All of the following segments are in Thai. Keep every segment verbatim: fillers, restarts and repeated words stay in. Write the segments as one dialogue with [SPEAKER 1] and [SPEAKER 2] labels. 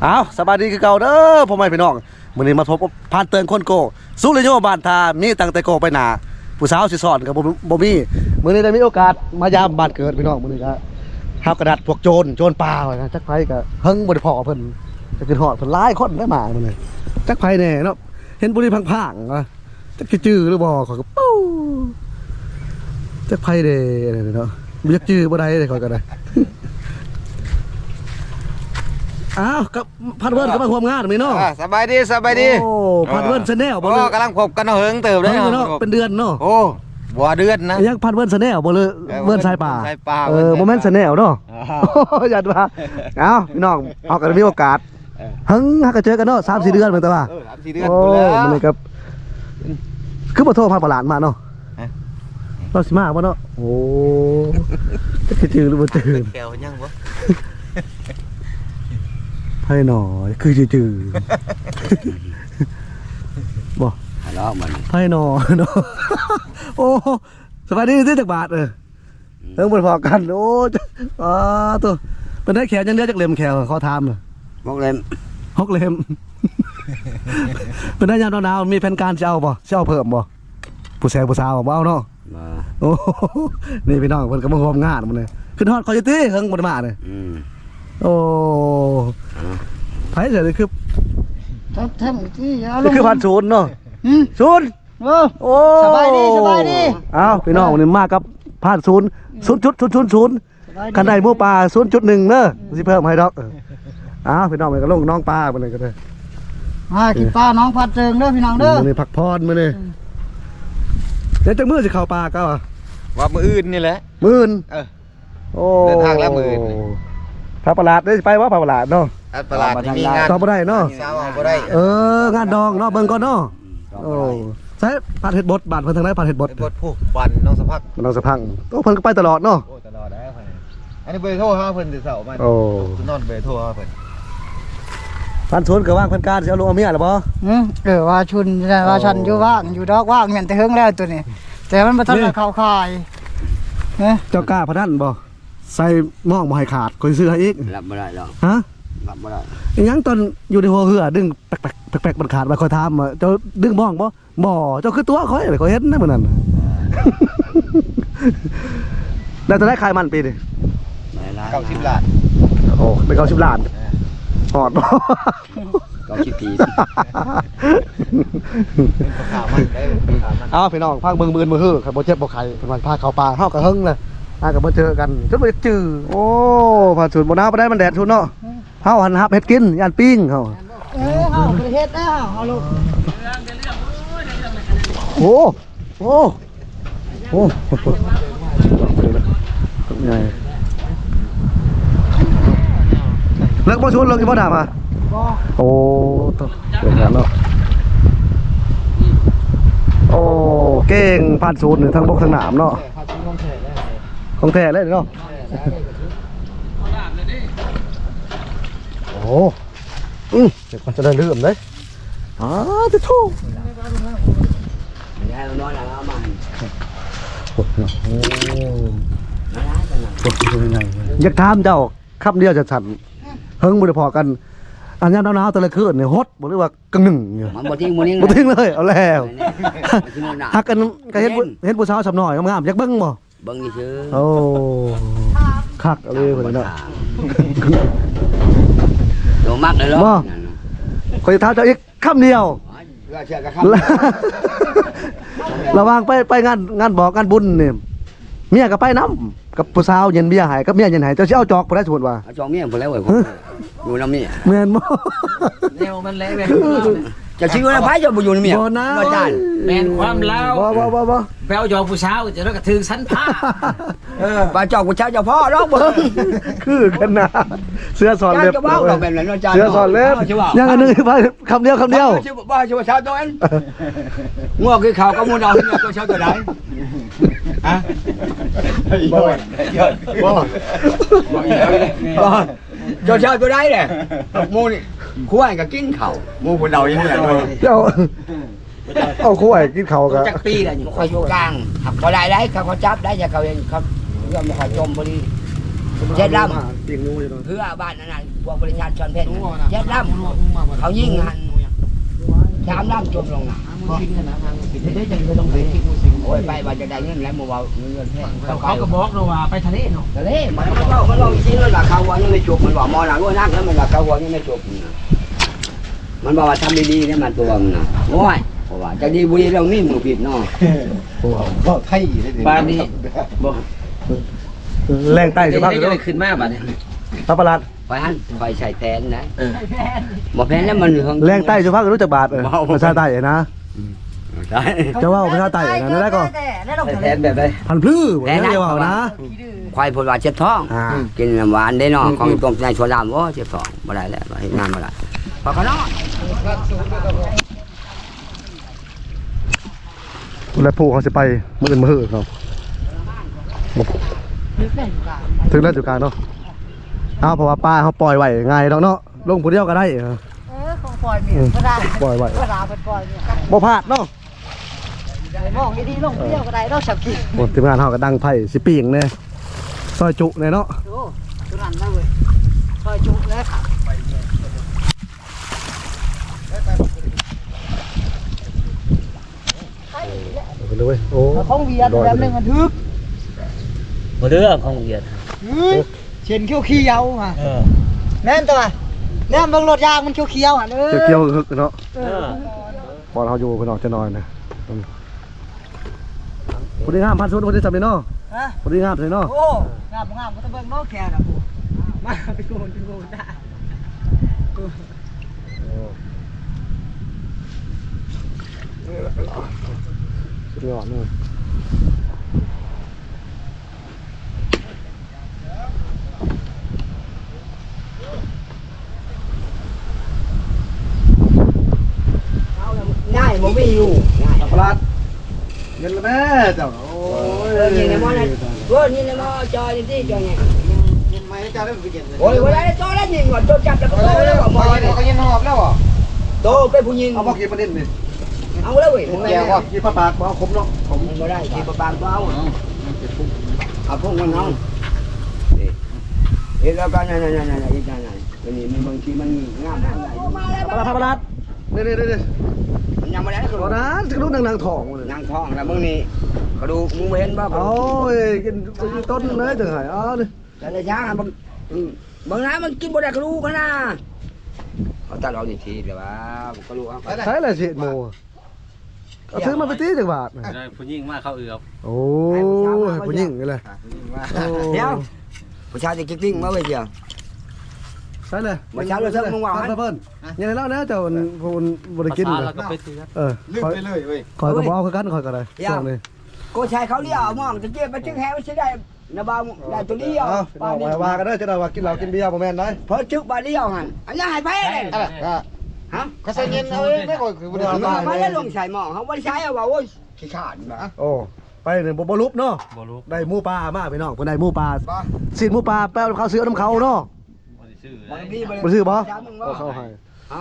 [SPEAKER 1] เอาสบายดีคือเก่าเด้อพ่อแม่พี่น้องมื้อนี้มาพบผ่านเตือนคนโกสุริโยบ้านทามีตั้งแต่โกไปหน้าผู้สาวสิสอนก็บ่บ่มีมื้อนี้ได้มีโอกาสมายามบ้านเกิดพี่น้องมื้อนี้ก็หากระดาษพวกโจรโจรป่าว่าจักไผก็เฮิงบ่ได้พอเพิ่นจะขึ้นฮอดเพิ่นหลายคนได้มามื้อนี้จักไผแน่เนาะเห็นบุรีพังๆว่าจักสิจื้อหรือบ่ขอยก็ปู้จักไผเด้เนาะบ่จักจื้อบ่ได้เด้ขอยก็ได้อ้าวกับพัดเวิร์นก็มาร่วมงานมีเนาะ
[SPEAKER 2] สบายดีสบายดี
[SPEAKER 1] โอ้พัดเวิร์นชาแนลบ่
[SPEAKER 2] เลยกำลังพบกันเหิงเติบเลย
[SPEAKER 1] เนาะเป็นเดือนเนาะ
[SPEAKER 2] โอ้บัวเดือนนะ
[SPEAKER 1] ยังพัดเวิร์นชาแนลบ่เลยเวิร์นสายป่าเออโมเมนต์ชาแนลเนาะอย่าว่าเอ้าพี่น้องเอากันมีโอกาสเฮิงฮักก็เจอกันเนาะสามสี่เดือนเหมือนแต่ว่า
[SPEAKER 2] เออสามสี่เดือน
[SPEAKER 1] โอ้มันเลยครับคือบ่โทรพัดประหลาดมาเนาะเราสิมาบ่เนาะโอ้จะจื้อหรือบ่จื้อ
[SPEAKER 2] แก้วยังบ่
[SPEAKER 1] ไพ่หน่อยคือจืดๆบ่
[SPEAKER 2] แล้วมัน
[SPEAKER 1] ไพ่หน่อยเนาะโอ้สบายดีที่จักบาทเออเรื่องบริพอกันโอ้อ๋อตัวเป็นได้แขนยังเดียวจากเล็มแขนเขาทำเลย
[SPEAKER 2] หกเล่ม
[SPEAKER 1] หกเล็มเป็นได้ยามหนาวมีแผนการเช่าบ่เช่าเพิ่มบ่ผู้แซวผู้สาวบ่เอาเนาะโอ้นี่พี่น้องเพิ่นก็มาร่วมงานมันเลยขึ้นฮอดคอยตี้เฮิงบ่ได้มาเลยโอ้ไผ่เสร็จเลยคือ
[SPEAKER 3] ทำทำที่ยา
[SPEAKER 1] ลงคือพันศูนย์เนาะศูนย์โอ้
[SPEAKER 3] สบายดีสบายดี
[SPEAKER 1] อ้าวพี่น้องวันนี้มากับพันศูนย์ศูนย์จุดศูนย์ศูนย์ศูนย์คันใดหมูปลาศูนย์จุดหนึ่งเนอะสิเพิ่มให้ดอกอ้าวพี่น้องไปก็ลงน้องปลาไปเลยก็ได้
[SPEAKER 3] อ่ากินปลาน้องพัดเจิงเด้อพี่น้องเด้อ
[SPEAKER 1] มื้อนี้พักพรมื้อนี้เดี๋ยวจังมื้อสิเข้าปลาก็
[SPEAKER 2] ว่ามื้ออื่นนี่แหละ
[SPEAKER 1] มื้ออื่น
[SPEAKER 2] เออ
[SPEAKER 1] โอ้
[SPEAKER 2] เดินทางแล้วมื้ออื่น
[SPEAKER 1] พระประหลาดได้ไปว่าพระประหลาดเนาะ
[SPEAKER 2] ประหลาดมีงาน
[SPEAKER 1] ต่อบ่ได้เนาะ
[SPEAKER 2] บ่ได้
[SPEAKER 1] เอองานดองเนาะเบิ่งก่อนเนาะโอ้ใช่ผัดเห็ดบดบาดเพิ่นทางไหนผัดเห็ดบด
[SPEAKER 2] บดผู้วันน้องสะพัก
[SPEAKER 1] น้องสะพังโอ้เพิ่นก็ไปตลอดเนาะ
[SPEAKER 2] โอ้ตลอดได้เพิ่นอันนี้เบอร์โทรหาเพิ่นสิเช้ามา
[SPEAKER 1] โอ้
[SPEAKER 2] นอนเบอร์โทรหาเพิ่น
[SPEAKER 1] พันสวนก็ว่างเพิ่นการสิเอาลงเอาเมียล่ะบ่
[SPEAKER 3] อือเออว่าชุนว่าฉันอยู่ว่างอยู่ดอกว่างแม่นแต่เฮิงแล้วตัวนี้แต่มันบ่ทันได้เข้าค่าย
[SPEAKER 1] เอ๊ะเจ้ากล้าพนันบ่ใส่หม้องบ่ให้ขาดก็ซื้อให้อีก
[SPEAKER 2] รับบ่ได้หรอก
[SPEAKER 1] ฮะ
[SPEAKER 2] รับบ่ได้
[SPEAKER 1] อีหยังตอนอยู่ในหัวเหือดึงแปลกๆแปลกๆมันขาดมาคอยถามว่าเจ้าดึงหม้องบ่บ่เจ้าคือตัวข่อยข่อยเห็นนะมื้อนั้นแล้วจะได้ขายมันปีนี่
[SPEAKER 2] เก้าสิบล้าน
[SPEAKER 1] โอ้ได้เก้าสิบล้านหอดบ่
[SPEAKER 2] เก้าสิบปี
[SPEAKER 1] เอาพี่น้องพากเบิ่งมือมือฮือครับบ่เจ็บบ่ไข้เพิ่นว่าพาเข้าป่าเฮาก็เฮิงเลยอาก็มาเจอกันจนไปจื้อโอ้ผ่านศูนย์บ่น้าบ่ได้มันแดดทุนเนาะเฮาหันหับเฮ็ดกินย่านปิ้งเฮา
[SPEAKER 3] เออเฮาบ่เฮ็ดแล้วเฮาลูก
[SPEAKER 1] โอ้โอ้โอ้ใหญ่เลิกบ่ชวนเลิกอีบ่ด่ามาบ่โอ้ตเก่งเนาะโอ้เก่งผ่านศูนย์ทั้งบกทั้งน้ำเนาะของแท้เลยเนาะโอ้อืมเดี๋ยวมันจะได้เลื่อมเลยอ๋อจะถูกอยากถามเจ้าคำเดียวจะสั่นเฮิงบุได้พอกันอันนี้หนาวๆแต่ละคืนเนี่ยฮดบอกเลยว่ากังหนึ่งอยู่
[SPEAKER 2] มันบ่ทิ้งบ่ทิ้ง
[SPEAKER 1] บ่ทิ้งเลยเอาแล้วฮักกันก็เห็นเห็นผู้สาวสำน้อยงามๆอยากเบิ่งบ่
[SPEAKER 2] เบิ่งซื่อ
[SPEAKER 1] โอ้คักเอาเลยพุ่นเนาะ
[SPEAKER 2] โดมักเลยเหรอ
[SPEAKER 1] ข่อยถามเจ้าอีกคำเดียวระวังไปไปงานงานบอกงานบุญนี่เมียก็ไปน้ำกับผู้สาวเย็นเบียร์หายกับเมียเย็นหายเจ้าสิเอาจอกบ่ได้สมมุติว่า
[SPEAKER 2] จอกเมียบ่แล้วเว้ยอยู่นำเมีย
[SPEAKER 1] แม่นบ่
[SPEAKER 3] แนวมันแล้วแม่
[SPEAKER 2] จะชื่อว่าไผจะบ่อยู่นำเมียบ่จาน
[SPEAKER 3] แม่นความลาว
[SPEAKER 1] บ่บ่บ่บ่
[SPEAKER 3] แปลจอกผู้สาวจะแล้วก็ถึงสันผ้า
[SPEAKER 2] เออบ่จอกผู้สาวเจ้าพ่อดอกเบิ่ง
[SPEAKER 1] คือกันนะเสื้อสอนเล็บ
[SPEAKER 2] เจ้าบ่ดอกแบบนั้นเนาะจาน
[SPEAKER 1] เสื้อสอนเล็บยังอันนึงคำเดียวคำเดียว
[SPEAKER 2] บ่ชื่อว่าสาวตัวนั้นงัวคือเขาก็มูดเอาเนี่ยตัวสาวตัวใดฮะบ่บ่บ่เจ้าชาวตัวใดเนี่ยมูนี่คู่ไอ้ก็กินข้าวมูคนเราอย่างนี้แหละ
[SPEAKER 1] เจ้าเอาคู่ไอ้กินข้าวก็
[SPEAKER 2] จักปีแล้วอยู่คอยอยู่กลางเขาได้ได้เขาเขาจับได้อย่าเขาเองครับเรื่องมาขอจมพอดีเจ็ดล
[SPEAKER 1] ปิ่งงูอยู่ตรง
[SPEAKER 2] ำเพื่อบ้านนั่นน่ะพวกบริษัทชนเพชรเจ็ดลำเขายิงหันสามลำจมลงน่ะโอ้ยไปว่าจะได้เงินแล้วมัวเงินแพง
[SPEAKER 4] เขาก็บอกเราว่าไปทะเลเนาะ
[SPEAKER 2] ทะเลมันมันว่ามันว่าจริงๆแล้วราคาวัวยังไม่จบมันว่ามอหนังด้วยนักแล้วมันราคาวัวยังไม่จบมันบอกว่าทำดีๆเนี่ยมันตัวมันนะโอ้ยเพราะว่าจะดีบุรีเรานี่มือผิดเนาะ
[SPEAKER 4] บอกไทยได้ดิ
[SPEAKER 5] บ้านนี้บอก
[SPEAKER 1] แรงใต้จะพัก
[SPEAKER 5] ได้
[SPEAKER 1] เนาะ
[SPEAKER 5] ได้ขึ้นมาบ้านนี้
[SPEAKER 1] พระประหลาด
[SPEAKER 2] คอยหันคอยใส่แทนนะบอกแทนแล้วมันเหลือง
[SPEAKER 1] แรงใต้จะพักรู้จักบาทเออภาษาใต้นะ
[SPEAKER 2] ใช่
[SPEAKER 1] จะว่าภาษาใต้นะได้ก็
[SPEAKER 5] แทนแบบใด
[SPEAKER 1] พันพลื้อบ่ได้ว่านะ
[SPEAKER 2] ควายผลว่าเจ็บท้อง
[SPEAKER 1] อ่า
[SPEAKER 2] กินน้ำหวานได้เนาะของต้มในชวนลามโอ้เจ็บท้องบ่ได้แล้วเห็นงานบ่ได้พอเขาเนาะ
[SPEAKER 1] แล้วผู้เขาสิไปมื้ออื่นมื้อหื้อเนาะถึงแล้วจุดกลางเนาะเอาเพราะว่าป้าเขาปล่อยไว้ง่ายดอกเนาะลงผู้เดียวก็ได้เออ
[SPEAKER 3] เออของปล่อยเมียก็ได้
[SPEAKER 1] ปล่อยไว้
[SPEAKER 3] ก็ได้เป็นปล่อยเมีย
[SPEAKER 1] บ่พลาดเนาะ
[SPEAKER 3] มองดีๆลงเที่ยวก็ได้เราฉับกิน
[SPEAKER 1] โอ้ทีมงานเฮาก็ดังไผ่สิปิ้งแน่ซอยจุแน่เนาะ
[SPEAKER 3] ดูตัวนั้นได้เว้ยซอยจุแล้วค่ะ
[SPEAKER 1] ไปเลยเว้ยโอ้
[SPEAKER 3] ของเวียดแบบนึงมันทึก
[SPEAKER 5] บ่เรื่องของเหยียด
[SPEAKER 3] เช่นเขียวเขียวๆฮะ
[SPEAKER 5] เออ
[SPEAKER 3] แม่นตัวแม่นเบิ่งรถยางมันเขียวเขียวๆฮะเออ
[SPEAKER 1] เกี่ยวๆฮึกเนาะ
[SPEAKER 5] เออ
[SPEAKER 1] บอลเขาอยู่พี่น้องจะนอนนะพอดีงามพันชุดพอดีจับเลยเนาะ
[SPEAKER 3] ฮะ
[SPEAKER 1] พอดีงามเลยเนาะ
[SPEAKER 3] โอ้งามบ่งามก็ต้องเบิ่งเนาะแค่น่ะกูมาไปโกนไปโกนได้
[SPEAKER 1] สุดยอดเนาะ
[SPEAKER 2] ง่ายบ่มีอยู่ง่าย
[SPEAKER 1] ปลาดเงินละแม่เจ้าโอ้ย
[SPEAKER 2] เออนี่ในหม้อนั่นเออนี่ในหม้อจอยนี่จอยไง
[SPEAKER 4] ไม่จะได้ไปเย็นเลย
[SPEAKER 2] โอ้ยเวลาจอยแล้วยิงก่อนโจจับแล้วก็โตแล้วก็หมอ
[SPEAKER 4] เขาก็ยินหอบแล้วอ่ะ
[SPEAKER 2] โตเป็นผู้หญิง
[SPEAKER 1] เอาบอกกี่ประเด็นนี่
[SPEAKER 2] เอาแล้วเว้ย
[SPEAKER 1] แกว่ากี่ปลาปากเอาคมเนาะ
[SPEAKER 2] ผมบ่ได้ที่ประบางก็เอาเอาพวกมันเอาเอ๊ะแล้วก็นั่นๆๆๆอีกนั่นๆอันนี้มันบางทีมันงามอะไร
[SPEAKER 1] ปลาดปลาดนี่นี่นี่
[SPEAKER 2] มันยังไม่ได้ก็
[SPEAKER 1] ตอนนั้นจะรู้นางๆทองเลย
[SPEAKER 2] นางทองแล้วมึงนี่ก็ดูมึงเห็นบ่
[SPEAKER 1] โอ้ยกินต้นเลยถึงหายอ๋อนี่
[SPEAKER 2] แต่ละอย่างบางบางน้ำมันกินบ่ได้ก็รู้กันนะเขาตัดเอาทีเดี๋ยวว่าก็รู้เอา
[SPEAKER 1] ใช่เลยสิโมเอาซื้อมาไปตีจังบาท
[SPEAKER 5] ได้ผู้หญิงมาเข้าเอือบ
[SPEAKER 1] โอ้ยผู้หญิงเลย
[SPEAKER 2] เดี๋ยวผู้ชายจะกิ๊กๆมาเว้ยเดียว
[SPEAKER 1] ใช่เลย
[SPEAKER 2] มาเช้าเราเพิ่มมึงว่า
[SPEAKER 1] เพิ่นยังไงแล้วนะเจ้าคนบริกิน
[SPEAKER 5] แล้วก็ไปซื้อ
[SPEAKER 1] เออ
[SPEAKER 4] ลืมไปเลยเว้ย
[SPEAKER 1] คอยกระบอกคือกันคอยกันเลยช่วงนี้
[SPEAKER 2] กูชายเขาเลี้ยวมองจะเจ็บไปจึงแหวใช่ได้นะบ่าวได้ตัวเลี้ยว
[SPEAKER 1] เอาเอาว่ากันเด้อจะได้ว่ากินเหล้ากินเบียร์บ่แม่นได้
[SPEAKER 2] เพราะจึกบาเลี้ยวหันอันนี้หายไปเลย
[SPEAKER 4] อะไรก็
[SPEAKER 2] ฮะ
[SPEAKER 4] ก็ใส่เย็นเอาเองไม่ก่อยคือบ่ได้
[SPEAKER 2] มาไม่ได้ลงใส่หม้อเขาไม่ได้ใช้เอาว่าโอ้ยขี้ขาดนะ
[SPEAKER 1] โอ้ไปเนี่ยบ่บ่ลุบเนาะ
[SPEAKER 5] บ่รู้
[SPEAKER 1] ได้หมูปลามาพี่น้องเพิ่นได้หมูปลาสินหมูปลาแป้วเขาซื้อน้ำเขาเนาะ
[SPEAKER 5] บ่ได้ซื้อ
[SPEAKER 2] บางที
[SPEAKER 1] บ่ซื้อบ่
[SPEAKER 2] จ้ามึง
[SPEAKER 1] เอา
[SPEAKER 2] ว่า
[SPEAKER 1] เข้าให้
[SPEAKER 2] ฮะ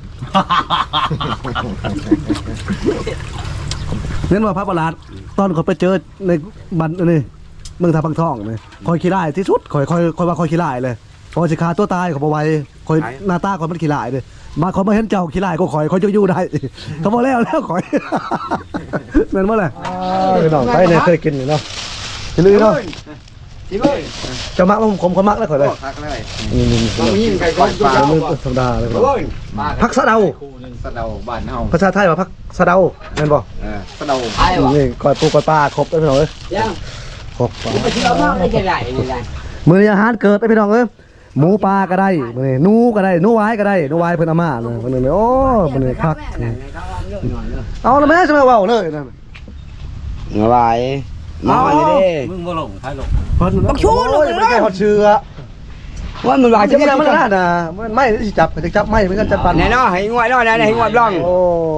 [SPEAKER 1] เน้นว่าพระประหลาดตอนเขาไปเจอในบันนี่เมืองทาพังทองนี่คอยขี้ร้ายที่สุดคอยคอยคอยว่าคอยขี้ร้ายเลยพอสิฆ่าตัวตายเขาบ่ไหวคอยหน้าตาคอยมันขี้ร้ายเลยมาเขามาเห็นเจ้าขี้ร้ายก็คอยคอยจะอยู่ได้เขาบ่แล้วแล้วคอยแม่นบ่ล่ะพี่น้องไปเนี่ยเคยกินอยู่เนาะสิลือเนาะ
[SPEAKER 2] ที่เว้ย
[SPEAKER 1] จะมักผมผมเขามักแล้วข่อยเลย
[SPEAKER 4] พักเลย
[SPEAKER 1] นี่นี่
[SPEAKER 2] บางทีใครก็ตัว
[SPEAKER 1] ๆ
[SPEAKER 2] เจ้า
[SPEAKER 1] มือ
[SPEAKER 2] บ่
[SPEAKER 1] ธรรมดาเลย
[SPEAKER 2] โอ้ย
[SPEAKER 1] พักสะเดา
[SPEAKER 4] คู่นึงสะเดาบ้านเฮา
[SPEAKER 1] ภาษาไทยว่าพักสะเดาแม่นบ่
[SPEAKER 4] เออสะเดา
[SPEAKER 2] ไอ้วะ
[SPEAKER 1] นี่ก่อยปูก่อยปลาครบแล้วพี่น้องเอ้ย
[SPEAKER 2] ยัง
[SPEAKER 1] ครบปลา
[SPEAKER 2] ไปเที่ยวมากได้จะไหนนี่แหละ
[SPEAKER 1] มื้อนี้อาหารเกิดได้พี่น้องเอ้ยหมูปลาก็ได้มื้อนี้หนูก็ได้หนูหวายก็ได้หนูหวายเพิ่นเอามาเนาะเพิ่นนี่โอ้มื้อนี้คักเอาละแม่จะมาเว้าเลยนั่น
[SPEAKER 2] อะไรมาเลยดิ
[SPEAKER 5] มึงบ่ลงไผลง
[SPEAKER 1] เพิ่น
[SPEAKER 2] บักชูลูก
[SPEAKER 1] โอ้ยไม่ใช่ฮอดเชือ
[SPEAKER 2] ว่ามันว่า
[SPEAKER 1] จะ
[SPEAKER 2] จะ
[SPEAKER 1] ไม่
[SPEAKER 2] ไม่
[SPEAKER 1] ได้
[SPEAKER 2] ได้
[SPEAKER 1] มัน
[SPEAKER 2] มัน
[SPEAKER 1] น่ะมันไม่สิจับจะจับไม่เหมือนกันจับปัน
[SPEAKER 2] แน่นอนให้งวยนอนให้งวยบล้อง
[SPEAKER 1] โอ้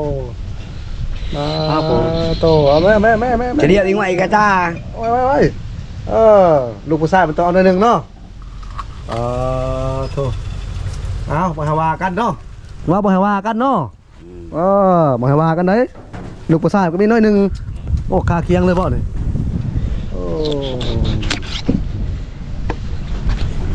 [SPEAKER 1] มาโตเอาแม่แม่แม่แม่
[SPEAKER 2] จะเรียกอีกว่าอีกาตา
[SPEAKER 1] โอ้ยโอ้ยโอ้ยเออลูกผู้ชายมันต้องเอาหน่อยหนึ่งเนาะเออโถเอาบ่ให้ว่ากันเนาะว่าบ่ให้ว่ากันเนาะเออบ่ให้ว่ากันเด้ลูกผู้ชายก็มีน้อยหนึ่งโอ้คาเคียงเลยบ่นี่โอ้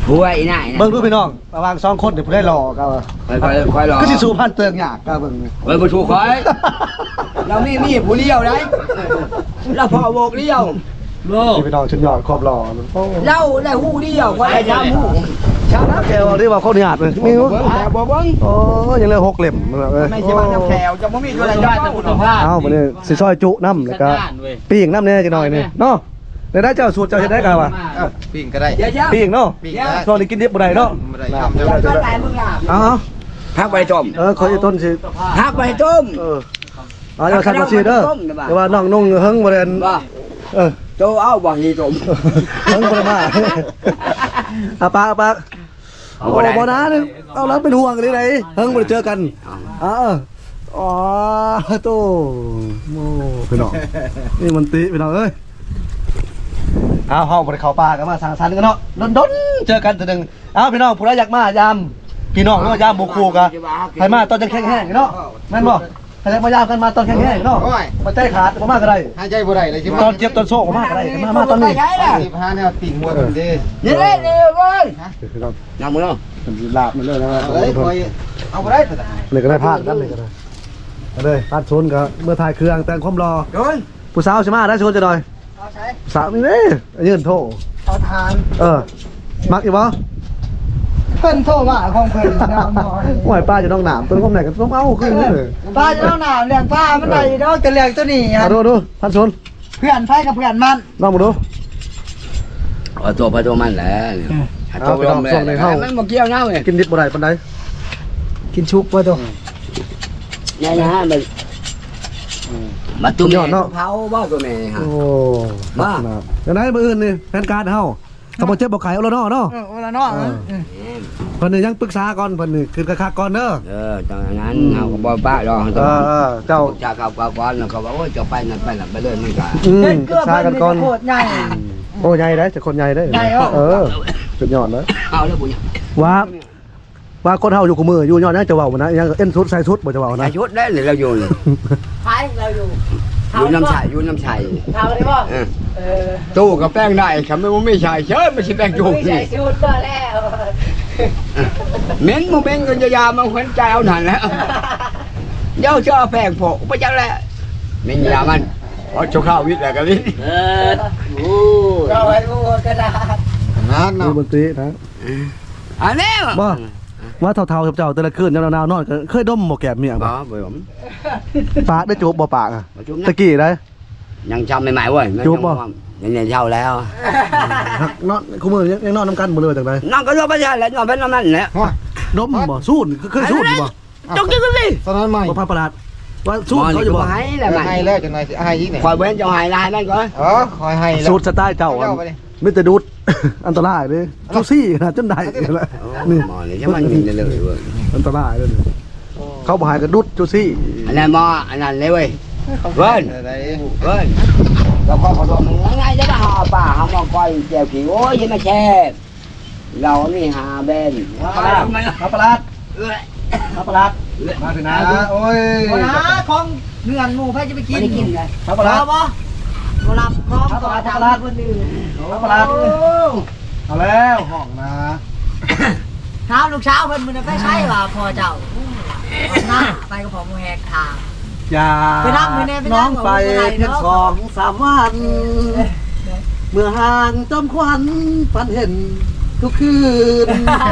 [SPEAKER 2] ผัวอีน่ายนะ
[SPEAKER 1] เบิ่งดูพี่น้องระหว่างสองคนเดี๋ยวผู้ได้รอก็
[SPEAKER 2] ค่อยๆค่อยๆรอ
[SPEAKER 1] ก็สิสู้พันเติงยากก็เบิ่ง
[SPEAKER 2] เฮ้ยบ่ชูคอยเรามีมีผู้เลี้ยวได้เราพอโบกเลี้ยว
[SPEAKER 5] โลก
[SPEAKER 1] นี่พี่น้องชุดยอดครอบรอโอ้
[SPEAKER 2] เราได้หูเลี้ยวคอยได้ทำหูชาวนา
[SPEAKER 1] แกว่าได้ว่าเขาหยาดเลยมี
[SPEAKER 2] เบิ่งแต่บ่เบิ่ง
[SPEAKER 1] โอ้ยังเหลือหกเล่มเอ้ย
[SPEAKER 2] ไม่ใช่บ้านน้ำแขวจะบ่มีตัวใดได้แต่คุณภาพ
[SPEAKER 1] เอ้ามื้อนี้สิซอยจุน้ำแล้วก็
[SPEAKER 5] ด้านเว้ย
[SPEAKER 1] ปีกน้ำแน่จังหน่อยนี่เนาะได้ได้เจ้าสูตรเจ้าเฮ็ดได้กันวะ
[SPEAKER 4] เอ้าปิ้งก็ได้
[SPEAKER 2] เดี๋ยวๆ
[SPEAKER 1] ปีกเนาะ
[SPEAKER 4] ปิ้งได้
[SPEAKER 1] ช่วงนี้กินดิบบ่ได้เนาะ
[SPEAKER 4] ไม่ได้ทำ
[SPEAKER 2] เดี๋ยวก็ตายมึงอ่ะ
[SPEAKER 1] เอ้า
[SPEAKER 2] พักไปต้ม
[SPEAKER 1] เออขออีต้นสิ
[SPEAKER 2] พักไปต้ม
[SPEAKER 1] เออเอาอย่าสั่นมาสิเด้อแต่ว่าน้องนุ่งเฮิงบ่ได้อัน
[SPEAKER 2] บ่
[SPEAKER 1] เออ
[SPEAKER 2] โตเอาบ่ฮีต้ม
[SPEAKER 1] เฮิงบ่ได้มาอาปากอาปาก
[SPEAKER 2] เอา
[SPEAKER 1] โอ้
[SPEAKER 2] บ่ได้
[SPEAKER 1] บ่นะเนี่ยเอาแล้วเป็นห่วงเลยไหนเฮิงบ่ได้เจอกันอ๋ออ๋อโตโมพี่น้องนี่มันติพี่น้องเอ้ยเอาเฮาบ่ได้เข้าป่ากันมาสังสรรค์กันเนาะดนๆเจอกันเทื่อนึงเอาพี่น้องผู้ใดอยากมายามพี่น้องหรือว่ายามหมู่คู่กะให้มาตอนจังแข็งๆเนาะแม่นบ่ให้มายามกันมาตอนแข็งๆเนาะบ่ใจขาดบ่มาก็ได้
[SPEAKER 4] หายใจบ่ได้เลยใช่ไหม
[SPEAKER 1] ตอนเจ็บตอนโซ่บ่มาก็ได้มามาตอนนี้
[SPEAKER 2] ใช่ล่ะ
[SPEAKER 4] สิบห้าเนี่ยปิ้งหมดเลยดิ
[SPEAKER 2] นี่เล่นนี่เว้ย
[SPEAKER 1] พี่น้อง
[SPEAKER 2] นำมือเนาะ
[SPEAKER 1] มันลาบมันเลยนะ
[SPEAKER 4] เอาเลยคอยเอาบ่ได้แต่
[SPEAKER 1] เลยก็ได้พลาดกันเลยก็ได้เอาเลยพลาดชนก็เมื่อถ่ายเครื่องแต่งความรอ
[SPEAKER 2] โดน
[SPEAKER 1] ผู้สาวใช่ไหมได้ชนจะหน่อย
[SPEAKER 3] เอาใช้
[SPEAKER 1] สาวนี่เด้ยืนโทษ
[SPEAKER 3] เอาทาน
[SPEAKER 1] เออมักอีกบ่
[SPEAKER 3] เพิ่นโทรมาของเพิ่นน้ำนอน
[SPEAKER 1] ห่วยป้าจะต้องหนามตัวก้มไหนกันต้องเอาขึ้นเลย
[SPEAKER 3] ป้าจะต้องหนาวเลี้ยงป้ามันได้ดอกจะเลี้ยงตัวนี้
[SPEAKER 1] เอา
[SPEAKER 3] ฮะ
[SPEAKER 1] ดูดูพันชน
[SPEAKER 3] เพื่อนไผกับเพื่อนมัน
[SPEAKER 1] ลองมาดู
[SPEAKER 2] เอาตัวไปตัวมันแหละตัวไปตัวมันบ่เกี่ยวเนาะเว้ย
[SPEAKER 1] กินดิบบ่ได้ปานใด
[SPEAKER 3] กินชุบบ่ตัว
[SPEAKER 2] เนี่ยนะมันมาตุ้มเผาบ่ตัวแม่ฮะ
[SPEAKER 1] โอ้มาอย่างไรมื้ออื่นนี่แผนการเฮาถ้าบ่เจ็บบ่ไข้เอาแล้วเนาะเนาะ
[SPEAKER 3] เออโอ้ละเนาะ
[SPEAKER 1] เพิ่นนี่ยังปรึกษาก่อนเพิ่นนี่คือกะคักก่อนเด้อ
[SPEAKER 2] เออตอนนั้นเฮาก็บ่ป้าดอก
[SPEAKER 1] เออเออเจ้า
[SPEAKER 2] จากกับกับก่อนแล้วก็ว่าโอ้ยจะไปนั่นไปนั่นไปเลยมันก็
[SPEAKER 1] อืม
[SPEAKER 3] เล่น
[SPEAKER 1] ป
[SPEAKER 3] เก
[SPEAKER 1] รึ
[SPEAKER 3] ลือก
[SPEAKER 1] ษากันก่อน
[SPEAKER 3] โคตรใหญ่
[SPEAKER 1] โอ้ใหญ่ได้แต่คนใหญ่ได้
[SPEAKER 3] ใหญ่เหรอ
[SPEAKER 1] เออสุดยอดเลย
[SPEAKER 2] เอาแล้วบุญ
[SPEAKER 1] ว่าว่าคนเฮาอยู่กับมืออยู่ยอดนะจะเว้าบ่นะยังเอ็นสุดใส่สุดบ่จะเว้า
[SPEAKER 2] ใส่
[SPEAKER 1] นะ
[SPEAKER 2] ชุดได้หรือเราอยู่เลย
[SPEAKER 3] ไผเราอยู่
[SPEAKER 2] อยู่น้ำใสอยู่น้ำใส
[SPEAKER 3] ทำได้บ่
[SPEAKER 2] เออ
[SPEAKER 3] เออ
[SPEAKER 2] ตู้กับแป้งได้คำไม่ไม่ใช่เชิญไม่ใช่แป้งจุก
[SPEAKER 3] ไม่ใช่ชุดก็แล้ว
[SPEAKER 2] เม้นมึงเม้นกันยามันขวัญใจเอาหนันแล้วเดี๋ยวเชื่อแป้งโผล่ไปจังแล้วเม้นยามันพอจะเข้าวิทย์แล้วกันวิทย์
[SPEAKER 5] เออโอ้
[SPEAKER 3] เราไว้โอ้กระดาษ
[SPEAKER 4] นั่น
[SPEAKER 1] ดู
[SPEAKER 4] เนาะ
[SPEAKER 1] บนตรีนะ
[SPEAKER 2] อันนี้
[SPEAKER 1] บ่ว่าเท่าๆเจ้าแต่ละคืนยามหนาวๆนอนก็เคยดมบ่แก้มเมีย
[SPEAKER 2] บ่
[SPEAKER 1] บ่
[SPEAKER 2] บ่ผม
[SPEAKER 1] ปากได้จูบบ่ปากอ่ะ
[SPEAKER 2] จุ๊บ
[SPEAKER 1] ตะกี้ได้
[SPEAKER 2] ยังจำใหม่ๆเว้ยยังเนี่ยเช่าแล้ว
[SPEAKER 1] หักนอนคุมื้อยังยังนอนนํกันบ่เลยจังได๋
[SPEAKER 2] น้องก็รอไปใช่แล้วน้องเป็นน้ำนั่นแหละ
[SPEAKER 1] ดมบ่สู้เคยสู้บ่
[SPEAKER 2] จงกินกันดิ
[SPEAKER 4] ตอนนั้นใหม่
[SPEAKER 1] บ่พันประหลาดว่าสู้
[SPEAKER 2] มัน
[SPEAKER 1] เขาอยู่บ่
[SPEAKER 2] ให้แหละมัน
[SPEAKER 4] ให้แล้วจังหน่อยสิให้อีกเนี่ย
[SPEAKER 2] คอยเว้นจะหายลายนั่นก่อน
[SPEAKER 4] อ๋อคอยให้แล้ว
[SPEAKER 1] สูตรสไตล์เจ้า
[SPEAKER 4] เจ้าไปดิ
[SPEAKER 1] มีแต่ดูด อันตรายเด้ซูซี่นะจนได้นี่
[SPEAKER 2] หมอนี่ใช่มันกินเลยเว้ย
[SPEAKER 1] อันตรายเลยเขาบ่หายก็ดุดจูซี่
[SPEAKER 2] อันนั้นหมออันนั้นเลยเว้ยเว้น
[SPEAKER 4] อะไร
[SPEAKER 2] เว้นเราก็ขอโทษมึงง่ายๆจะมาหาป่าหาหมอก้อยแจวขี้โอ้ยยังมาแช่เรานี่หาเบน
[SPEAKER 1] มาประหลาดมาประหลาดมาถึงนะ
[SPEAKER 4] โอ้ย
[SPEAKER 3] โบราณของเงื่อนหมู่ไผจะไปกินกินเลย
[SPEAKER 1] มาประหลาด
[SPEAKER 3] บ่บ่โบราณของ
[SPEAKER 1] ครับ
[SPEAKER 3] ต่อ
[SPEAKER 1] ครับ
[SPEAKER 3] ทาง
[SPEAKER 1] ครับ
[SPEAKER 3] คนอื่น
[SPEAKER 1] มาประหลาดเอาแล้วห้องนะ
[SPEAKER 3] ถามลูกสาวเพิ่นมื้อนั้นไปใช้ว่าพ่อเจ้าหน้าไปกับพ่อหมู่แหกทาง
[SPEAKER 1] อย่า
[SPEAKER 3] ไปนั่งไปแน่ไปนั่
[SPEAKER 1] น้อง งไปเพียงสองสามวัน เมื่อห่างจอมควันฝันเห็นทุกคืน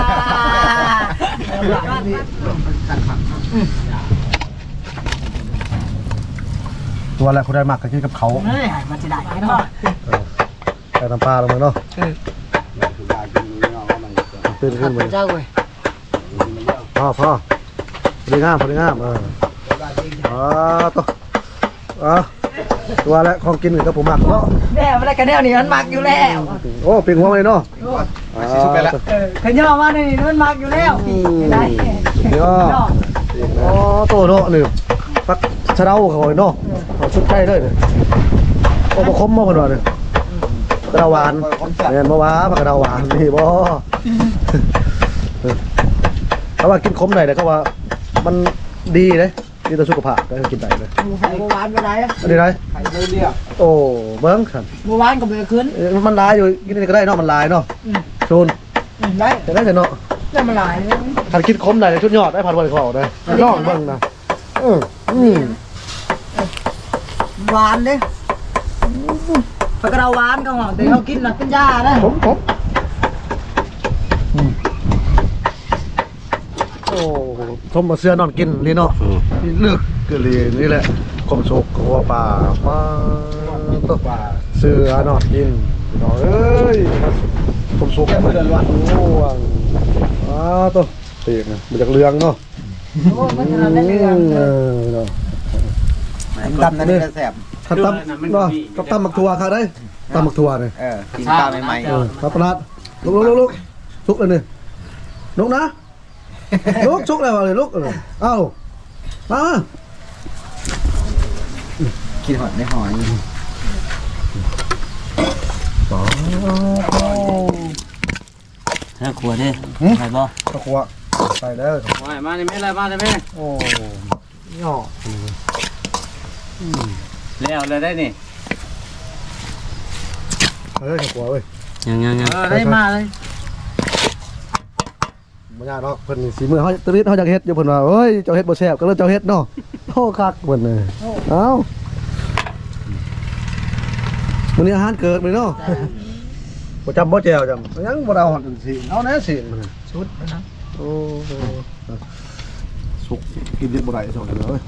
[SPEAKER 1] ตัวอะไรคุณได้มากก็กินกับเขา
[SPEAKER 3] เฮ้ยมันจะได้เนาะ
[SPEAKER 1] ใส่น้ำปลาลงมาเนาะตื่นขึ้นมา
[SPEAKER 3] เจ้าเว้ย
[SPEAKER 1] พ่อพ่อพอดีงามพอดีงามเอออ๋อตัวอ๋อตัวแล้วของกินกับผมมักเนาะ
[SPEAKER 3] แน่บ่ได้กันแนวนี้มันมักอยู่แล้ว
[SPEAKER 1] โอ้ปิงหัวเลยเนาะ
[SPEAKER 4] มาสิสุดไปละ
[SPEAKER 3] เออขย่อมานี่มันมักอยู่แล้วได้
[SPEAKER 1] เดี๋ยวอ๋อโตเนาะนี่ปักชะเดาเขาเนาะเขาชุดใกล้เลยโอ้บะคมมาคนว่าเนี่ยกระดาหวานเห็นบ่วะกระดาหวานนี่บ่เขาว่ากินขมหน่อยแต่เขาว่ามันดีเลยดีต่อสุขภาพได้กินได้เลย
[SPEAKER 3] หมูไข่หมูหวานบ่ได้
[SPEAKER 1] อันนี้ไร
[SPEAKER 4] ไข่เรียบ
[SPEAKER 1] โอ้เบิ้งขัน
[SPEAKER 3] หมูหวานก็บ่ได้ขึ้น
[SPEAKER 1] มันลายอยู่กินนี่ก็ได้เนาะมันลายเนาะ
[SPEAKER 3] อืม
[SPEAKER 1] ชูน
[SPEAKER 3] ได้
[SPEAKER 1] จะได้แต่เนาะ
[SPEAKER 3] ได้มาหลายเลย
[SPEAKER 1] คันคิดคมได้ชุดยอดได้พันวันเขาได้นอกเบิ่งนะเอออืม
[SPEAKER 3] หวานเด้ปากกระหวานก็หอมแต่เขากินน่ะเป็นยาเด้
[SPEAKER 1] ผมผมโอ้ทมมาเสื้อนอนกินนี่เนาะนี่เลือกเกลีนี่แหละคมโชกหัวป่าป่าตัวป่าเสื้อนอนกินพี่น้องเอ้ยคมโชกมันง่วงอ้าตัวเตียงนะมันจากเรืองเนาะ
[SPEAKER 3] โอ้มันจะได้เรื่อง
[SPEAKER 1] เออเนาะ
[SPEAKER 4] ดำนั่นจะแสบ
[SPEAKER 1] ถ้าตำเนาะกับตำหมักถั่วค่ะได้ตำหมักถั่วเนี่ย
[SPEAKER 4] เออกินปลาใหม่
[SPEAKER 1] เออครับประหลาดลุกลุกลุกลุกลุกเลยนี่ลุกนะลุกชุกเลยวะเลยลุกเออเอ้ามา
[SPEAKER 4] ๆกินหอดไม่หอย
[SPEAKER 5] ถ้าขวดดิใช่ป่ะ
[SPEAKER 1] ตะขวใส่ได้อ
[SPEAKER 5] มามาได้ไหมอะไรมาได้ไหม
[SPEAKER 1] โอ้ย่อ
[SPEAKER 5] แล้วเลยได้นี่
[SPEAKER 1] เฮ้ยตะขวเว้ย
[SPEAKER 5] ยังยังยัง
[SPEAKER 3] เออได้มาเลย
[SPEAKER 1] บ่ยากเนาะเพิ่นสีมือเฮาตริดเฮาอยากเฮ็ดอยู่เพิ่นว่าเอ้ยเจ้าเฮ็ดบ่แซ่บก็เลยเจ้าเฮ็ดเนาะโอ้คักเพิ่นเลยเอ้ามื้อนี้อาหารเกิดมื้อเนาะบ่จำบ่แจวจำยังบ่ได้เอาหอดจังซี่เอาแน่สิมื้อนี้
[SPEAKER 3] ชุดนะ
[SPEAKER 1] โอ้โหสุกกินดิบบ่ได้สองเดือนเลย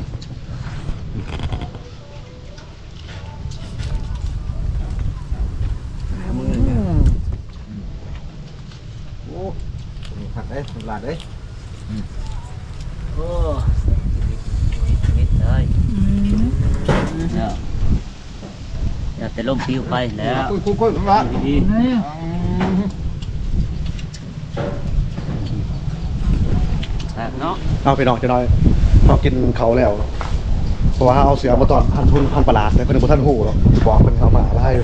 [SPEAKER 1] โอ้
[SPEAKER 4] ผักได้สลัดได้
[SPEAKER 5] โอ้นิดเลยแล้วอย่าแต่ลมปิวไปแล้ว
[SPEAKER 4] คุยคุยคุยสลัด
[SPEAKER 5] ดี
[SPEAKER 3] นี่
[SPEAKER 5] แบบเนาะ
[SPEAKER 1] เอาไปนอกจะน้อยพอกินเขาแล้วเพราะว่าเอาเสือมาตอนพันทุนพันประหลาดแต่เพิ่นบ่ทันหูหรอกบอกเพิ่นเขามาไล่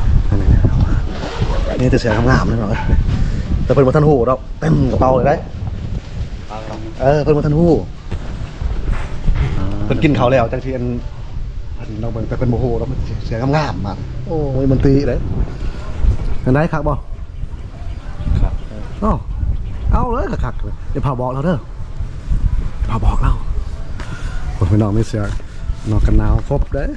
[SPEAKER 1] นี่แต่เสืองามๆเลยเนาะแต่เพิ่นบ่ทันหูดอกเต็มกระเป๋าเลยได้เออเพิ่นบ่ทันหูเพิ่นกินเขาแล้วจังที่อันอันเราเบิ่งแต่เพิ่นบ่ฮู้แล้วมันเสืองามๆมาโอ้ยมันตีเลยอันไหนคักบ่ครับอ๋อเอาเลยคักๆเลยเดี๋ยวพาบอกเราเด้อพาบอกเราคนพี่น้องไม่เสือนอกกันหนาวครบเด้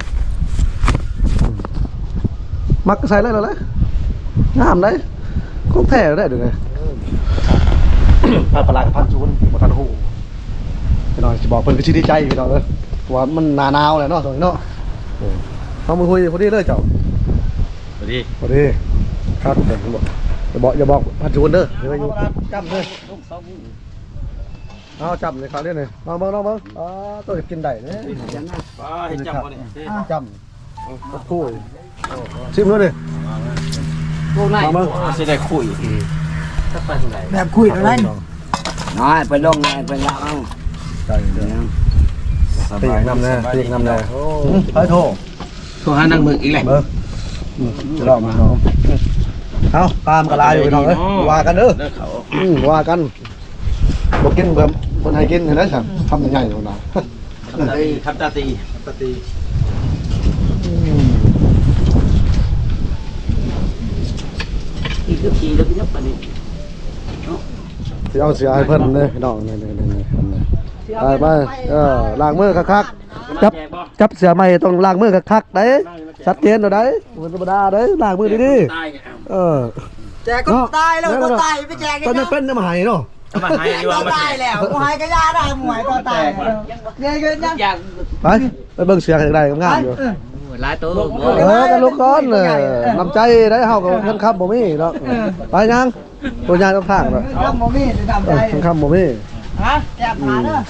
[SPEAKER 1] มักใส่เลยเหรอเลยงามเลยคงแท้ได้ดูไงพันปลากับพันซูนบ่ทันหูพี่น้องสิบอกเพิ่นก็สิดีใจพี่น้องเอ้ยว่ามันหนาหนาวแหละเนาะตรงนี้เนาะเอามือคุยพอดีเลยเจ้า
[SPEAKER 5] พอดี
[SPEAKER 1] พอดีครับเดี๋ยวบอกอย่าบอกอย่าบอกพันซูนเด้อเดี๋ยวอยู่จำเลยเอาจำเลยครับเรื่องนี้ลองเบิ่งลองเบิ่งอ๋อตัวกินได้เนี่ย
[SPEAKER 5] ไปจับมาเนี่ย
[SPEAKER 1] จำคุยชิมเลยดิ
[SPEAKER 5] พวกนายจะได้คุยถ้าไปที่ไหน
[SPEAKER 3] แบบคุยอะไร
[SPEAKER 2] น้อยไปลงไงไปละเอา
[SPEAKER 1] ใจเด้อตีกนำแน่ตีกนำแน่โอ้ไปโทร
[SPEAKER 2] โทรหานักมึกอีกแหละ
[SPEAKER 1] เบอร์จะลองมาน้องเอาตามกระลาอยู่พี่น้องเอ้ยว่ากันเด้ออืมว่ากันบอกกินเบิ่มคนให้กินเห็นไหมครับทำยังไงเนาะ
[SPEAKER 5] ทำตาตีทำตาตีอีกทีแล้วก็ยับไปนี่
[SPEAKER 1] สิเอาเสียให้เพิ่นเลยพี่น้องนี่ๆๆไปไปเออล้างมือคักๆจับจับเสือใหม่ต้องล้างมือคักๆได้ชัดเจนเด้อได้บ่ธรรมดาเด้อล้างมือดีๆเออ
[SPEAKER 3] แจกก็ตายแล้วก็ตายไปแจก
[SPEAKER 1] ก็
[SPEAKER 3] กัน
[SPEAKER 1] จะเป็นน้ำหายเนาะ
[SPEAKER 5] มาให้ดีว่า
[SPEAKER 3] ก็
[SPEAKER 5] มา
[SPEAKER 3] ตายแล้วกูหายก็ยาได้หมวยก็ตายเนี่ยก็ยัง
[SPEAKER 5] อยาก
[SPEAKER 1] ไปไปเบิ่งเสือกันได้งามๆอยู่
[SPEAKER 5] หลายตัว
[SPEAKER 1] เออกันลูกก้อนเลยน้ำใจได้เฮากับเงินคำบ่มีเนาะไปยังตัวยางต้องทางเนาะ
[SPEAKER 3] ทำโมมี่จะทำ
[SPEAKER 1] เอ
[SPEAKER 3] ใจ
[SPEAKER 1] อเงินคำบ่มี
[SPEAKER 3] ฮะแจกขาเด้อ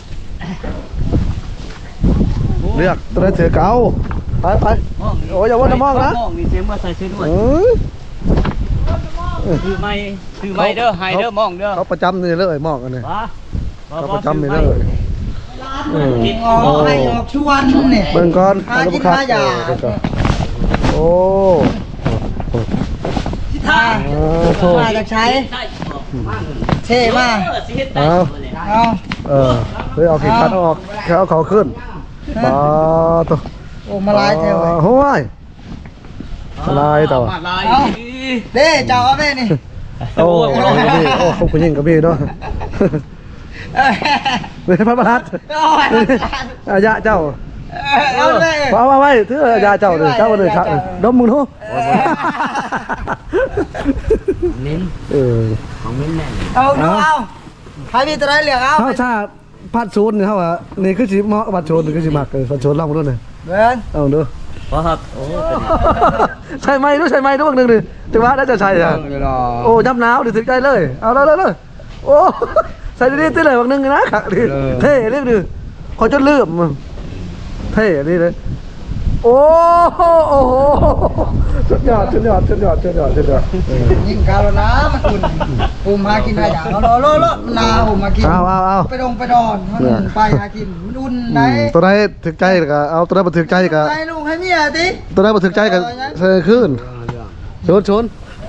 [SPEAKER 1] เลือกตัวนั้นเสือเก่าไปไปโอ้ยอย่าว่าจะมองนะ
[SPEAKER 5] มองมีเสียงว่าใส่ซื้อด้วย
[SPEAKER 1] เอ้ย
[SPEAKER 5] คือไม่คือไม่เด้อไฮเด้อมองเด้อ
[SPEAKER 1] เขาประจำนี่เลยมองกันนี่
[SPEAKER 5] ว้า
[SPEAKER 1] เขาประจำนี่เลยเออ
[SPEAKER 3] ออกให้ออกชวนเนี่ย
[SPEAKER 1] เบิ่งก่อน
[SPEAKER 3] หากิน
[SPEAKER 1] ครับ
[SPEAKER 3] หายา
[SPEAKER 1] เบิ่งก่อนโอ้
[SPEAKER 3] ท่า
[SPEAKER 1] เออโทษ
[SPEAKER 3] มาจากใช้เท่มาก
[SPEAKER 1] เอา
[SPEAKER 3] เอา
[SPEAKER 1] เออเฮ้ยเอาขีดคัดออกแค่เอาเขาขึ้นปาตัว
[SPEAKER 3] โอ้มาลายเท่เลย
[SPEAKER 1] โอ้ยมาลายตัว
[SPEAKER 5] มาลาย
[SPEAKER 3] เด้เจ้าเอาไปนี่
[SPEAKER 1] โอ้โหนี่โอ้คบคุณยิ่งกับพี่เนาะเลยพระประหลัดอายะเจ้า
[SPEAKER 3] เอาเลย
[SPEAKER 1] เอาเอาไว้ถืออายะเจ้าเลยเจ้าเลยครับดมมึงทุ
[SPEAKER 2] นิ้น
[SPEAKER 1] เออ
[SPEAKER 2] ของมิ้นแน่
[SPEAKER 3] เอาดูเอาใครมีตัวไหนเหลืองเอา
[SPEAKER 1] เขาชาพัดโซนนี่เขาว่านี่คือสิเหมาะพัดโซนนี่คือสิมักพัดโซนลองมาดูหน่อย
[SPEAKER 3] เบิ้ง
[SPEAKER 1] เอาดู
[SPEAKER 5] เพราะครับโอ้
[SPEAKER 1] ใช่ไหมดูใช่ไหมดูบักหนึ่งดิจังหวะได้จะใช่อ่ะโอ้ย้ำหนาวดิถึงใจเลยเอาเลยเลยเลยโอ้ใส่ดีๆตีเลยบักหนึ่งนะขักดิเท่เรียกดิขอจนลืมเท่นี่เลยโอ้โหโอ้โหสุดยอดสุดยอดสุดยอดสุดยอดสุดยอด
[SPEAKER 3] ยิงกาลน้ำมันอุ่นปุ่มหากินได้อย่างรอรอรอนาผมมากิน
[SPEAKER 1] เอาเอาเอา
[SPEAKER 3] ไปดงไปดอนมันไปหากินมันอุ่นได้
[SPEAKER 1] ตัวไหนถึกใจก็เอาตัวไหนมาถึกใจก็
[SPEAKER 3] ให้ลูกให้เมียติ
[SPEAKER 1] ตัวไหนมาถึกใจก็เซอขึ้นชนชน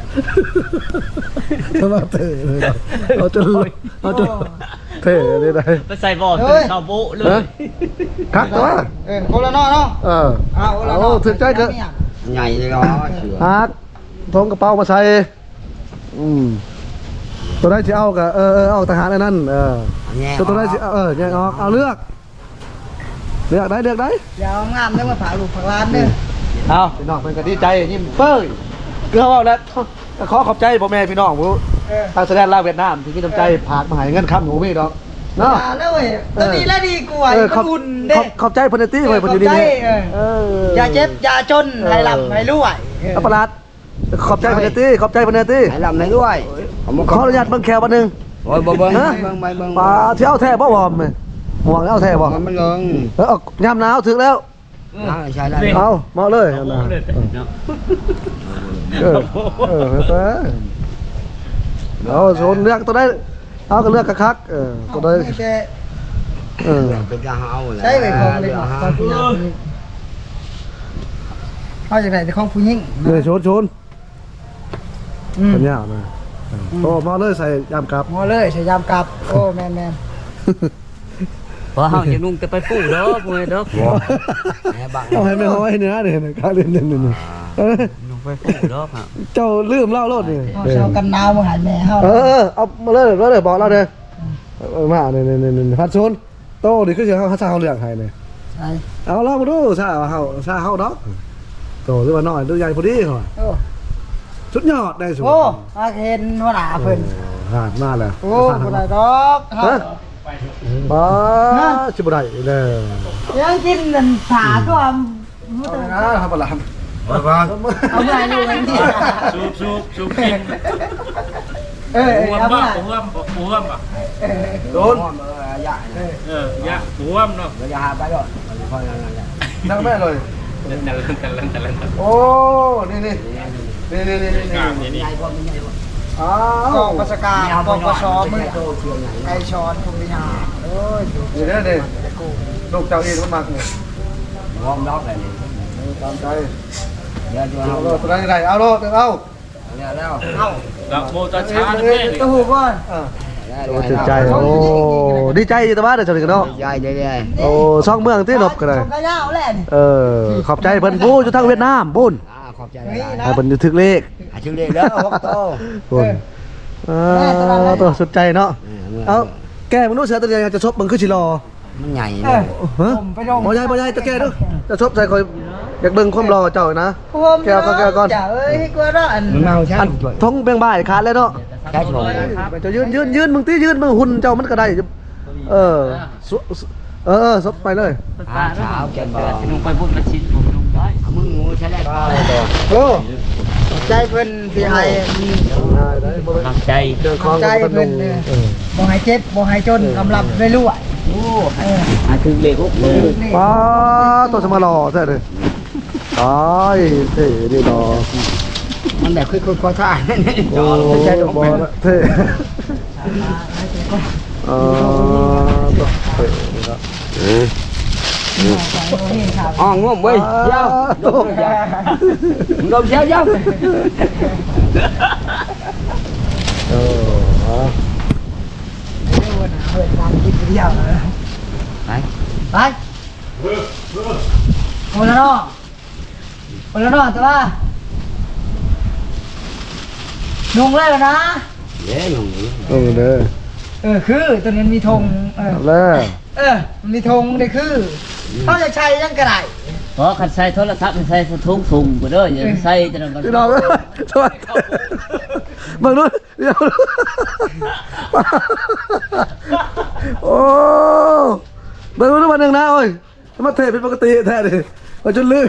[SPEAKER 1] ทำไมเท่เลยเอาจนเอาจนเท่เลยได้
[SPEAKER 5] ไปใส่บ่อตื่นข้าวโบ๊ะเลย
[SPEAKER 1] คักตัว
[SPEAKER 3] เออโคละนอเนาะ
[SPEAKER 1] เออ
[SPEAKER 3] เอาโคละนอ
[SPEAKER 1] เอาถึกใจก็
[SPEAKER 2] ใหญ่เลยเนาะเสือ
[SPEAKER 1] ฮักทงกระเป๋ามาใส่อืมตัวไหนจะเอากับเออเออเอาทหารไอ้นั่นเออตัวตัวไหนจะเออแยกออกเอาเลือกเลือกได้เลือกได้
[SPEAKER 3] อย่าเอางามได้มาผ่าลูกผ่าล้านเด้อ
[SPEAKER 1] เอาพี่น้องเป็นกันดีใจยิ้มเฟ้ยเกลือเอาแล้วขอขอบใจพ่อแม่พี่น้องผู้
[SPEAKER 3] เออ
[SPEAKER 1] ทางแสดงลาวเวียดนามที่มีน้ำใจผากมาให้เงินคำหนูพี่ดอกเนาะ
[SPEAKER 3] มาแล้วเว้ยตัวนี้แล้วดีกว่า
[SPEAKER 1] เออ
[SPEAKER 3] มัน
[SPEAKER 1] ขอบ
[SPEAKER 3] อุ่น
[SPEAKER 1] ข
[SPEAKER 3] เด้
[SPEAKER 1] อบขอบใจพนตี้เลยพนอยู่นี่
[SPEAKER 3] ขอบใจ
[SPEAKER 1] นี่
[SPEAKER 3] เออ
[SPEAKER 1] เออ
[SPEAKER 3] อย่าเจ็บอย่าจนให้ลำให้รวยเออ
[SPEAKER 1] อัปลัดขอบใจพนตี้ขอบใจพนตี้
[SPEAKER 2] ให้ลำให้ด้วย
[SPEAKER 1] ขออนุญาตเบิ่งแขวบันหนึ่ง
[SPEAKER 2] โอ้ยบ่เบิ่ง
[SPEAKER 1] ฮะ
[SPEAKER 2] เบิ่งไปเบิ่ง
[SPEAKER 1] ปลาที่เอาแท้บ่วอมหมวกเอาแท้บ่
[SPEAKER 2] มันมันเลิง
[SPEAKER 1] เออเอายามหนาวถึงแล้ว
[SPEAKER 2] ใช่ได้
[SPEAKER 1] เอามาเลยเอานะเออเออเออเอาโซนเลือกตัวได้เอาก็เลือกคักๆเออตัวได้
[SPEAKER 3] ไม่ใช่
[SPEAKER 1] เออ
[SPEAKER 2] เป็นยาเฮาแหละ
[SPEAKER 3] ใช่ไปของเลยของผู้หญิงเอาจากไหนแต่ของผู้หญิง
[SPEAKER 1] เนี่ยโชนโชน
[SPEAKER 3] อืม
[SPEAKER 1] ปัญญานะโอ้มาเลยใส่ยามกลับ
[SPEAKER 3] หมอเลยใช้ยามกลับโอ้แมนแมน
[SPEAKER 5] เพราะเฮาจะนุ่งแต่ไปปูเด้อพวกนี้เด้อ
[SPEAKER 2] แม่บัง
[SPEAKER 1] เอาให้ไม่ห้อยเนื้อเนี่ยข้าเล่นเล่นเล่นเออ
[SPEAKER 5] นุ่งไปปูเด้อครับ
[SPEAKER 1] เจ้าลืมเล่ารถนี่
[SPEAKER 3] เอาเชากันหนาวมาหาแม่เฮา
[SPEAKER 1] เออเอามาเลยมาเลยบอกเราเด้อมาเนี่ยเนี่ยเนี่ยพัดโซนโตดิคือเสียงเขาซาเขาเลือกให้เนี่ย
[SPEAKER 3] ใช่
[SPEAKER 1] เอาลองมาดูซาเขาซาเขาดอกโตหรือว่าน้อยหรือใหญ่พอดีเขา
[SPEAKER 3] โอ้
[SPEAKER 1] สุดยอดได้สุด
[SPEAKER 3] โอ้อาเห็นหัวหน้าเพิ่น
[SPEAKER 1] หาดมาแล้ว
[SPEAKER 3] โอ้บ่ได้ดอกเฮา
[SPEAKER 1] บ้าชิบได้เลย
[SPEAKER 3] ยังกินนั่นผาก็ว่า
[SPEAKER 1] นะครับปลา
[SPEAKER 2] บัง
[SPEAKER 3] เอาไงลูกเองดิ
[SPEAKER 6] สูบสูบสูบกิน
[SPEAKER 3] เออ
[SPEAKER 6] หัว
[SPEAKER 3] เอา
[SPEAKER 6] บ้า
[SPEAKER 3] ไง
[SPEAKER 6] หัวหัวบ้า
[SPEAKER 1] โดน
[SPEAKER 2] ยา
[SPEAKER 6] เออยะหัวเนาะ
[SPEAKER 2] ยาไปก่อนค่อยๆนั่นแหละ
[SPEAKER 1] นั่งแม่เลย
[SPEAKER 6] แต่ละแต่ละแต่ละแต่ละ
[SPEAKER 1] โอ้นี่นี่นี่นี่นี่นี่
[SPEAKER 6] กล้ามนี่นี่
[SPEAKER 2] ใหญ่กว่าไม่ใหญ่กว่า
[SPEAKER 1] อ้าก
[SPEAKER 3] อง
[SPEAKER 1] ว
[SPEAKER 3] ประสการกองประชอมือ
[SPEAKER 2] โตเชียงใหญ่
[SPEAKER 3] ไก่ช้อนทุกวิญญาโอ้ย
[SPEAKER 1] นี่นี่นี่ลูกเจ้าเองมันมากเนี่ย
[SPEAKER 2] วอร์มล็อกเลยนี่
[SPEAKER 1] ตามใจ
[SPEAKER 2] เดี๋ยวจะ
[SPEAKER 1] เอา
[SPEAKER 2] เอา
[SPEAKER 1] โลดตัวไหนไหนเอาโลดเอา
[SPEAKER 2] เนี่ยแล้ว
[SPEAKER 3] เอ้า
[SPEAKER 6] ดอกโมตาชาด้วย
[SPEAKER 3] ตู้หูก่อน
[SPEAKER 1] โอ้จิตใจโอ้ดีใจอยู่แต่ว่าเดี๋ยวจะถึงเนาะ
[SPEAKER 2] ใหญ่เลยเลย
[SPEAKER 1] โอ้ซ่องเมืองที่หลบกันเลย
[SPEAKER 3] ชมกระยาวแหละนี่
[SPEAKER 1] เออขอบใจเพิ่นผู้อยู่ทางเวียดนามบุญ
[SPEAKER 2] อ่าขอบใจ
[SPEAKER 3] เฮ้ย
[SPEAKER 2] นะ
[SPEAKER 3] นะ
[SPEAKER 1] ให้เพิ่นอยู่ถึกเลข
[SPEAKER 2] อาชื่อเล็กแล้วฮอกโต
[SPEAKER 1] บุญเออตัวสุดใจเนาะเอาแกมึงรู้เสือตัวเดียวจะชบมึงคือชิรอ
[SPEAKER 2] มันใหญ่
[SPEAKER 3] เอ
[SPEAKER 2] เล
[SPEAKER 3] อย
[SPEAKER 1] ฮะ
[SPEAKER 3] ผมไปลง
[SPEAKER 1] บ่ใหญ่บ่ใหญ่ตะแกดูจะชบใส่คอยอยากเบิ่งความรอเจ้านะ
[SPEAKER 3] ผม
[SPEAKER 1] แก้วก็แก้วก่อน
[SPEAKER 3] จ้าเอ้ยกลัวร้อน
[SPEAKER 2] มันเมาใช่
[SPEAKER 1] อันท้องเบียงบ่ายขาดเลยเนาะ
[SPEAKER 2] ใช่ชม
[SPEAKER 1] จะยืนยืนยืนมึงตียืนมึงหุ่นเจ้ามันก็ได้เออสุเออเออซบไปเลย
[SPEAKER 5] ตาเช้าแกนบ่นุ่งไปพุ่นมาชิ้นผมนุ่งได้
[SPEAKER 2] มึงงูใช่แล้ว
[SPEAKER 1] โอ้
[SPEAKER 3] ใจเพิ่นที่ให้
[SPEAKER 1] ได้ได้บ่
[SPEAKER 5] ทำใจ
[SPEAKER 1] เดินคลอง
[SPEAKER 3] ใจเพิ่นเออบ่ให้เจ็บบ่ให้จนกำลับรวยๆโอ้เออ
[SPEAKER 2] อาชื่อเล็กฮอกโต
[SPEAKER 1] ป้าตัวสมารอใช่เลยตายเท่ดีดอ
[SPEAKER 2] มันแบบค่อยๆท่า
[SPEAKER 1] โอ้บอลเท่เออตัวเท่ดีดอ
[SPEAKER 2] อ๋องงเว้ยเดี๋ยว
[SPEAKER 1] ตัว
[SPEAKER 2] มึงโดนเชียวยัง
[SPEAKER 1] เออ
[SPEAKER 3] เรื่องวันหาเปิดการกินเดียวเลย
[SPEAKER 2] ไป
[SPEAKER 3] ไปโอละเนาะโอละเนาะแต่ว่านุ่งเลยนะ
[SPEAKER 2] เด้หนุ่ม
[SPEAKER 1] เออเด้อ
[SPEAKER 3] เออคือตัวนี้มีธงเออ
[SPEAKER 1] แล้ว
[SPEAKER 3] เออมันมีธงได้คือเขาจะใช้ยังกระไร
[SPEAKER 5] เพราะคันใส่โทรศัพท์ใส่ถุงถุงกูเด้ออย่าใส่จะนำกัน
[SPEAKER 1] พี่น้องเอ้ยสวัสดีเบิ่งนู้นเดี๋ยวโอ้เบิ่งนู้นวันหนึ่งนะโอ้ยมาเทเป็นปกติแท้ดิมาจนลืม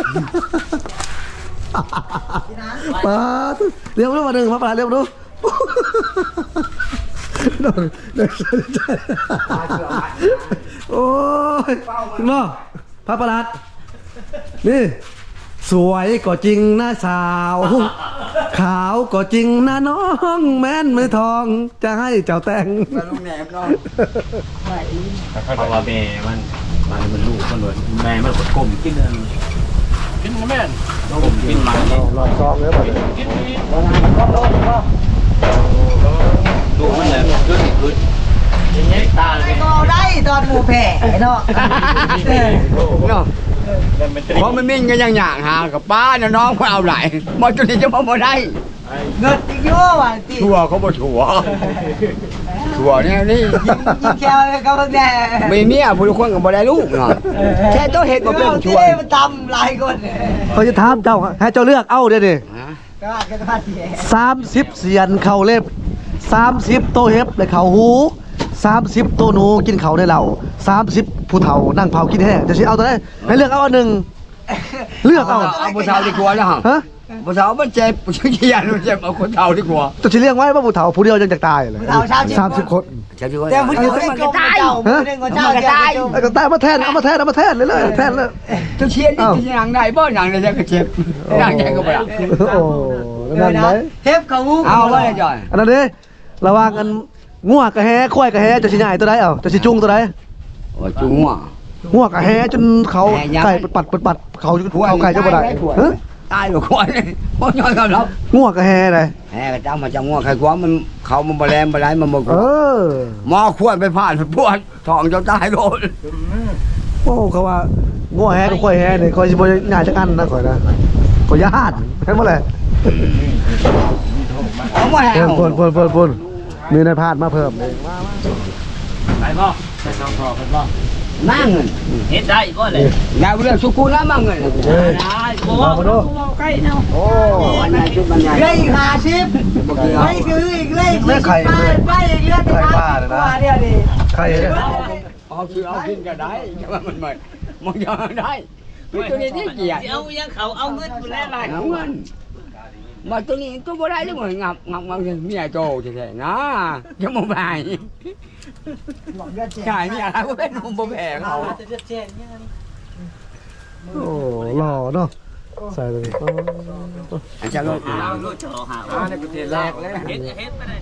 [SPEAKER 1] มาเรียกนู้นวันหนึ่งมาปลาเรียกนู้นโอ้ยถึงเนาะพระประหลัดนี่สวยก็จริงนะสาวขาวก็จริงนะน้องแม่นมือทองจะให้เจ้าแต่ง
[SPEAKER 2] ลุงแหนมน้อง
[SPEAKER 6] เพราะว่าแม่มันมันมันลูกมันเลยแม่มันกดกลมกินเงินกินแม่นเรากินมันนี่
[SPEAKER 1] รอซองเลยป่ะ
[SPEAKER 6] กินนี่ลูกมันเลยขึ้นขึ้นอย่างเงี้ยตาเลย
[SPEAKER 3] ไม่ก็ได้ตอนหมูแผ่เนาะ
[SPEAKER 2] เนาะเพราะมันมิ่งกันอย่างอย่างหากับป้าเนี่ยน้องมาเอาไหลมาจนนี้จะมาบ่ได้
[SPEAKER 3] เงินอีกเยอะว่ะตี
[SPEAKER 2] ชัวเขาบ่ชัวชัวเนี่ยนี่
[SPEAKER 3] ยิงแค่ก็เพิ่งได้
[SPEAKER 2] มีเมียผู้ทุกคนก็บ่ได้ลูกเนาะแค่ตัวเฮ็ดบ่เป็นชัว
[SPEAKER 3] มันทำหลายคน
[SPEAKER 1] เขาจะถามเจ้าให้เจ้าเลือกเอาเดี๋ยวดิ
[SPEAKER 3] ก็อาจจะพลาดเสีย
[SPEAKER 1] สามสิบเสียนเข่าเล็บสามสิบโตเฮ็บในเข่าหูสามสิบโตหนูกินเข่าในเหล่าสามสิบผู้เฒ่านั่งเผากินแห้งจะสิเอาตัวไหนให้เลือกเอาอันหนึ่งเลือกเอา
[SPEAKER 2] เอาผู้สาวดีกว่าแล้วฮะ
[SPEAKER 1] ฮะ
[SPEAKER 2] ผู้สาวมันเจ็บผู้ชายมันเจ็บเอาคนเฒ่าดีกว่า
[SPEAKER 1] จะสิเลี้ยงไว้ว่าผู้เฒ่าผู้เดียวยังจะตายเลยสามสิบคน
[SPEAKER 2] เจ็บดีกว่า
[SPEAKER 3] แต่ผู้หญิงมันก็ตายผู้หญิงก็เจ้าตาย
[SPEAKER 1] แล้วก็ตายมาแทนเอามาแทนเอามาแทนเลยเลยแทนเลย
[SPEAKER 2] จะเชียร์นี่จะยังได้บ่ยังได้ก็เจ็บยังได้ก็บ่ได้
[SPEAKER 1] โอ้นั่นไหม
[SPEAKER 3] เทปเขา
[SPEAKER 2] เอาไว้จ่อย
[SPEAKER 1] อันนั้นเด้ระวังกันง่วกระแฮควายกระแฮจะสิใหญ่ตัวใดเอาจะสิจุงตัวใด
[SPEAKER 2] โอ้จุงว่ะ
[SPEAKER 1] ง่วกระแฮจนเขาไก่ปัดปัดปัดเขาเขาไก่จะบ่ได้ฮะ
[SPEAKER 2] ตายบ่ควรบ่ย้อนกันหรอก
[SPEAKER 1] ง่วกระแฮเลย
[SPEAKER 2] แหมก็จ้ามาจังว่าใครกว่ามันเขามันบ่แลมบ่ไหลมันบ่
[SPEAKER 1] เออ
[SPEAKER 2] หมอควรไปผ่านปวดท้องจนตายโดน
[SPEAKER 1] โอ้เขาว่าง่วแฮกับควายแฮเนี่ยคอยสิบ่หน้าจักอันนะข่อยนะข่อยญาติเห็นบ่แหละ
[SPEAKER 2] เอามาแห
[SPEAKER 1] เพิ่
[SPEAKER 2] วน
[SPEAKER 1] เพิ่นเพิ่นเพิ่นเพิ่นมีนายพาดมาเพิ่มเลย
[SPEAKER 6] ไปพ่อไปน้องพ่อไปพ่อ
[SPEAKER 2] มาเงิน
[SPEAKER 5] เฮ็ดได้บ่เลย
[SPEAKER 2] ดาวเรื่องสุกูนะมาเงิน
[SPEAKER 5] ได้บ่ว่าบ่ใกล้เนาะ
[SPEAKER 1] โอ้
[SPEAKER 2] วันไหนจุดวันใหญ่
[SPEAKER 3] เลยหาชิปไม่คืออีกเลยไปไปอีกเรื่องว่าเดียวดิ
[SPEAKER 1] ใครเนี่ย
[SPEAKER 2] เอาคือเอากินก็ได้แต่ว่ามันไม่มันยังได้คือตัวนี้ที่เกียรติ
[SPEAKER 5] เอายังเขาเอาเงินกูแล้วล่ะ
[SPEAKER 2] เอาเงินมาตัวนี้ตัวบ่ได้เลยมันงับงับงับเมียโตแท้ๆนะจะมาบายขายเมียอะไรก็เป็นผมบ่แพงเขา
[SPEAKER 1] โอ้หล่อเนาะใส่เลย
[SPEAKER 2] อาจารย์
[SPEAKER 5] เอาลูกจ่อหา
[SPEAKER 2] แรกเลย
[SPEAKER 5] เฮ็ดเฮ็ดไปได้